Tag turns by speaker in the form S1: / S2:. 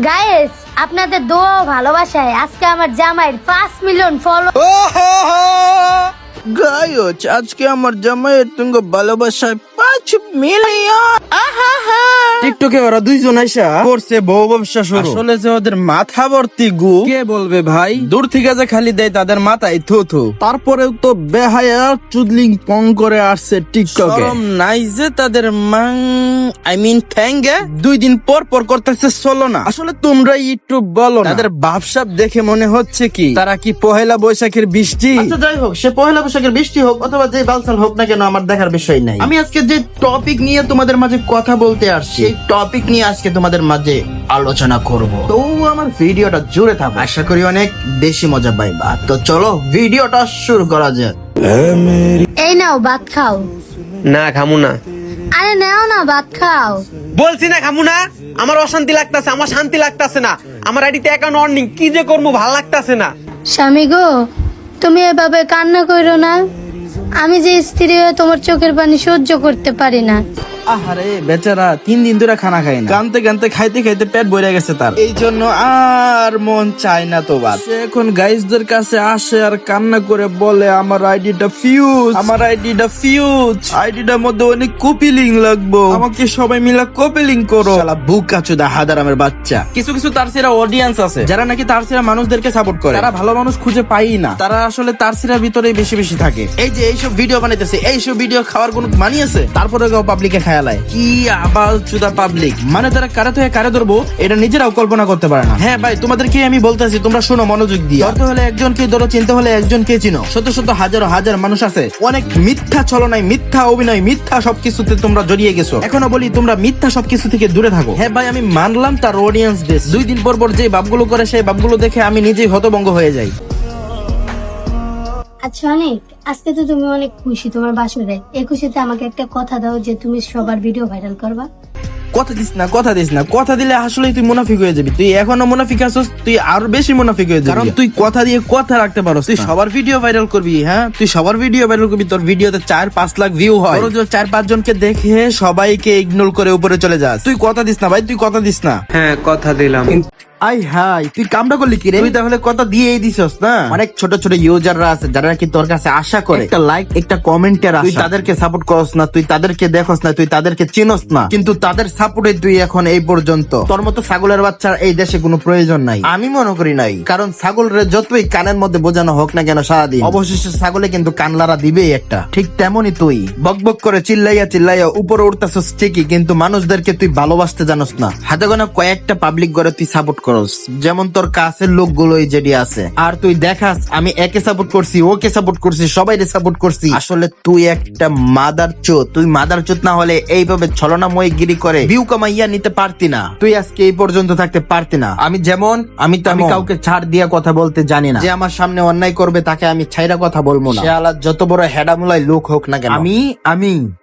S1: Guys আপনাদের দোয়া ও ভালোবাসায় আজকে আমার জামাইয়ের 5 মিলিয়ন ফলো।
S2: গায়জ আজকে আমার জামাইয়ের তুঙ্গ ভালোবাসায় 5 মিলিয়ন। টিকটকে ওরা দুইজন আইসা করছে বউ ব্যবসা শুরু। আসলে যে ওদের মাথা ভর্তি গু, কে বলবে ভাই? দূর থেকে যে খালি দেয় তাদের মাথায় থু থু, তারপরেও তো বেহায়া চুদলিং পং করে আসছে টিকটকে। শরম নাই যে তাদের ঠ্যাঙ্গে 2 দিন পর পর করতেছে চলো না। আসলে তোমরা একটু বলো না, তাদের ভাবসাব দেখে মনে হচ্ছে কি তারা কি পহেলা বৈশাখের বৃষ্টি? আচ্ছা যাই হোক, সে পহেলা বৈশাখের বৃষ্টি হোক অথবা যে বালসাল হোক না কেন, আমার দেখার বিষয় নাই। আমি আজকে যে টপিক নিয়ে তোমাদের মাঝে কথা বলতে আসছি, এই টপিক নিয়ে আজকে তোমাদের মাঝে আলোচনা করব। তো আমার ভিডিওটা জুড়ে থাকো, আশা করি অনেক বেশি মজা পাইবা। তো চলো ভিডিওটা শুরু করা যাক।
S1: এই নাও ভাত খাও।
S3: না খামু না।
S1: আরে নাও না ভাত খাও।
S3: বলছি না খামু না। আমার অশান্তি লাগতাছে, আমার শান্তি লাগতাছে না। আমার আইডিতে অ্যাকাউন্ট অর্নিং কি যে করবো ভাল লাগতাছে না।
S1: স্বামী গো, তুমি এভাবে কান্না করো না। আমি যে স্ত্রী হয়ে তোমার চোখের পানি সহ্য করতে পারি না।
S2: আহারে বেচারা 3 দিন ধরে খানা খায় না, কানতে কানতে খাইতে খাইতে পেট ভরে গেছে তার, এই জন্য আর মন চায় না তো বাদ। সে এখন গাইজদের কাছে আসে আর কান্না করে বলে আমার আইডিটা ফিউজ, আমার আইডিটা ফিউজ, আইডিটার মধ্যে অনেক কপিলিং লাগবো, আমাকে সবাই মিলে কপিলিং করো। শালা বুকা চোদা হাদারামের বাচ্চা। কিছু কিছু তার সেরা অডিয়েন্স আছে যারা নাকি তার সেরা মানুষদেরকে সাপোর্ট করে, তারা ভালো মানুষ খুঁজে পাই না, তারা আসলে তার সেরা ভিতরেই বেশি বেশি থাকে। এই যে এইসব ভিডিও বানাইতেছে, এইসব ভিডিও খাওয়ার কোনো মানি আছে? তারপরে পাবলিকে খেয়ালায় কি আবাল চুদা পাবলিক, মানে তারা কারে থেকে কারে ধরবো এটা নিজেরাও কল্পনা করতে পারে না। হ্যাঁ ভাই, তোমাদেরকে আমি বলতেছি, তোমরা শোনো মনোযোগ দিয়ে। ধরতে হলে একজনকে ধরো, চিনতে হলে একজনকে চিনো। শত শত হাজারো হাজার মানুষ আছে, অনেক মিথ্যা ছলনায়, মিথ্যা অভিনয়, মিথ্যা সবকিছুতে তোমরা জড়িয়ে গেছো। এখনো বলি তোমরা মিথ্যা সবকিছু থেকে দূরে থাকো। হ্যাঁ ভাই, আমি মানলাম তার অডিয়েন্স বেশ, 2 দিন পর পর যে বাপগুলো করে সেই বাপগুলো দেখে আমি নিজেই হতভম্ব হয়ে যাই।
S1: আচ্ছা অনেক, আজকে তো তুমি অনেক খুশি তোমার বাসরে। এই খুশিতে আমাকে একটা কথা দাও যে তুমি সবার ভিডিও ভাইরাল করবা।
S2: কথা দিস না, কথা দিস না, কথা দিলে আসলে তুই মুনাফিক হয়ে যাবি। তুই এখনো মুনাফিক আছিস, তুই আরো বেশি মুনাফিক হয়ে যাবি, কারণ তুই কথা দিয়ে কথা রাখতে পারোস। তুই সবার ভিডিও ভাইরাল করবি, হ্যাঁ তুই সবার ভিডিও ভাইরাল করবি, তোর ভিডিওতে 4-5 লাখ ভিউ হয়, 4-5 জনকে দেখে সবাইকে ইগনোর করে উপরে চলে যাস। তুই কথা দিস না ভাই, তুই কথা দিস না।
S3: হ্যাঁ কথা দিলাম।
S2: আই হাই, তুই কামটা করলি কি রে? তুই তাহলে কথা দিয়েই দিছস না। অনেক ছোট ছোট ইউজাররা আছে যারা নাকি তোর কাছে আশা করে একটা লাইক, একটা কমেন্টের আশা। তুই তাদেরকে সাপোর্ট করস না, তুই তাদেরকে দেখস না, তুই তাদেরকে চিনস না, কিন্তু তাদের সাপোর্টে তুই এখন এই পর্যন্ত। তোর মতো ছাগলের বাচ্চার এই দেশে কোনো প্রয়োজন নাই, আমি মনে করি নাই। কারণ ছাগলের যতই কানের মধ্যে বোঝানো হোক না কেন সারাদিন, অবশেষে ছাগলে কিন্তু কানলারা দিবেই একটা। ঠিক তেমনই তুই বকবক করে চিল্লাইয়া চিল্লাইয়া উপরে উঠতেছস ঠিকই, কিন্তু মানুষদেরকে তুই ভালোবাসতে জানোস না। হাতে গোনা কয়েকটা পাবলিক করে তুই সাপোর্ট করস, যেমন তোর কাছের লোকগুলোই যেটি আছে। আর তুই দেখাস আমি একে সাপোর্ট করছি, ওকে সাপোর্ট করছি, সবাইকে সাপোর্ট করছি। আসলে তুই একটা মাদার চোদ। তুই মাদার চোদ না হলে এইভাবে ছলনাময় গিরি করে ভিউ কামাইয়া নিতে পারতি না, তুই আজকে এই পর্যন্ত থাকতে পারতি না। আমি যেমন আমি কাউকে ছাড় দিয়া কথা বলতে জানি না। যে আমার সামনে অন্যায় করবে তাকে আমি ছাইরা কথা বলবো না, সে আলাদা যত বড় হেডামুলাই লোক হোক না কেন। আমি